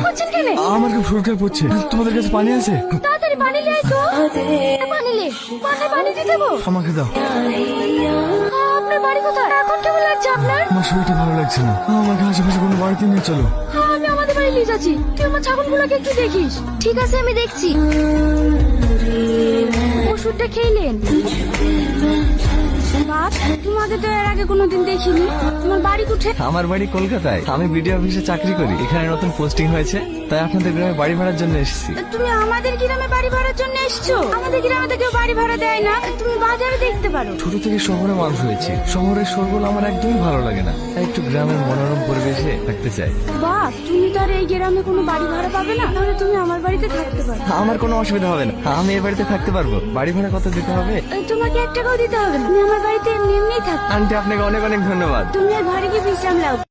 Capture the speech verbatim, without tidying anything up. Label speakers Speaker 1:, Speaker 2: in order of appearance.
Speaker 1: করছেন কেন?
Speaker 2: আমার খুব শরীর খারাপ হচ্ছে, তোমাদের কাছে পানি আছে?
Speaker 1: তাড়াতাড়ি পানি নিয়ে আয় তো। পানি লে, মাথায় পানি দিয়ে দেবো।
Speaker 2: আমাকে দাও।
Speaker 1: আপনার বাড়ি কোথায়? এখন কেমন লাগছে আপনার?
Speaker 2: আমার শরীরটা ভালো লাগছে না, আমাকে আশেপাশে কোনো বাড়িতে নিয়ে চলো।
Speaker 1: আমি আমাদের বাড়ি নিয়ে যাচ্ছি, তুই আমার ছাগলগুলোকে একটু দেখিস। ঠিক আছে, আমি দেখছি। ওষুধটা খেলেন? বাপ, তোমাকে তো এর আগে কোনোদিন দেখিনি। তোমার বাড়ি কোথায়?
Speaker 2: আমার বাড়ি কলকাতায়, আমি বিডিও অফিসে চাকরি করি। এখানে নতুন পোস্টিং হয়েছে, তাই আপনাদের গ্রামে বাড়ি ভাড়ার জন্য এসেছি।
Speaker 1: তুমি আমাদের গ্রামে বাড়ি ভাড়ার জন্য এসছো? আমাদের গ্রামে তো কেউ বাড়ি ভাড়া দেয় না, তুমি বাজারে দেখতে পারো।
Speaker 2: ছোট থেকে শহরে মানুষ হয়েছে, শহরের শোরগোল আমার একদমই ভালো লাগে না, তাই একটু গ্রামের মনোরম পরিবেশে থাকতে চাই।
Speaker 1: বাপ, তুমি তো আর এই গ্রামে কোনো বাড়ি ভাড়া পাবে না, তাহলে তুমি আমার বাড়িতে থাকতে পারো।
Speaker 2: আমার কোনো অসুবিধা হবে না, আমি এই বাড়িতে থাকতে পারবো। বাড়ি ভাড়া কত দিতে হবে?
Speaker 1: তোমাকে এক টাকাও দিতে হবে না, তুমি আমার বাড়িতে এমনি এমনিই থাকো।
Speaker 2: আন্টি, আপনাকে অনেক অনেক ধন্যবাদ।
Speaker 1: তুমি আর ঘরে গিয়ে বিশ্রাম নাও।